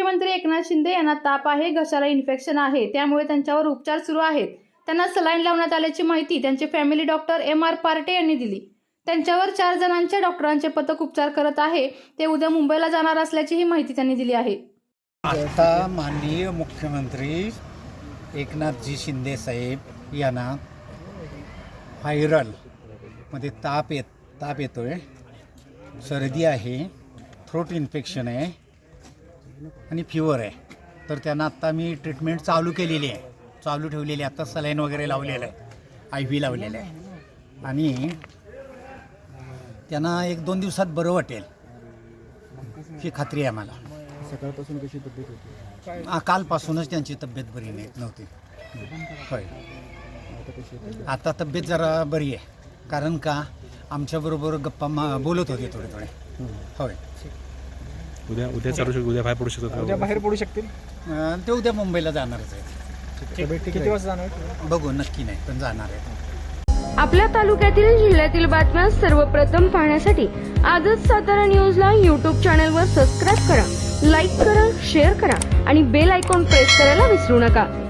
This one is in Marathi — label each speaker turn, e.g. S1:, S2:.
S1: मुख्यमंत्री एकनाथ शिंदे यांना ताप आहे, घशाला इन्फेक्शन आहे, त्यामुळे त्यांच्यावर उपचार सुरू आहेत. त्यांना सलाईन लावण्यात आल्याची माहिती त्यांचे फॅमिली डॉक्टर M.R. पार्टे यांनी दिली. त्यांच्यावर 4 जणांच्या डॉक्टरांचे पथक उपचार करत आहे. ते उद्या मुंबईला जाणार असल्याची ही माहिती त्यांनी दिली आहे.
S2: आता माननीय मुख्यमंत्री एकनाथजी शिंदे साहेब यांना व्हायरल मध्ये ताप येतोय, सर्दी आहे, थ्रोट इन्फेक्शन आहे आणि फिवर आहे. तर त्यांना आत्ता मी ट्रीटमेंट चालू ठेवलेली आहे. आता सलाईन वगैरे लावलेलं आहे, IV लावलेलं आहे आणि त्यांना 1-2 दिवसात बरं वाटेल ही खात्री आहे मला.
S3: सकाळपासून कशी तब्येत होती?
S2: कालपासूनच त्यांची तब्येत बरी नव्हती. होय, आता तब्येत जरा बरी आहे. कारण का आमच्याबरोबर गप्पा बोलत होते थोडे. होय,
S3: उद्या चालू शकतो, उद्या बाहेर पडू शकतात, उद्या बाहेर पडू शकतील.
S2: ते उद्या मुंबईला जाणारच आहे.
S3: किती वाजता जाणार?
S2: बघू, नक्की नाही पण जाणार आहे.
S4: आपल्या तालुक्यातील जिल्ह्यातील बातम्या सर्वप्रथम पाहण्यासाठी आजच सातारा न्यूजला YouTube चॅनलवर सबस्क्राईब करा, लाईक करा, शेअर करा आणि बेल आयकॉन प्रेस करायला विसरू नका.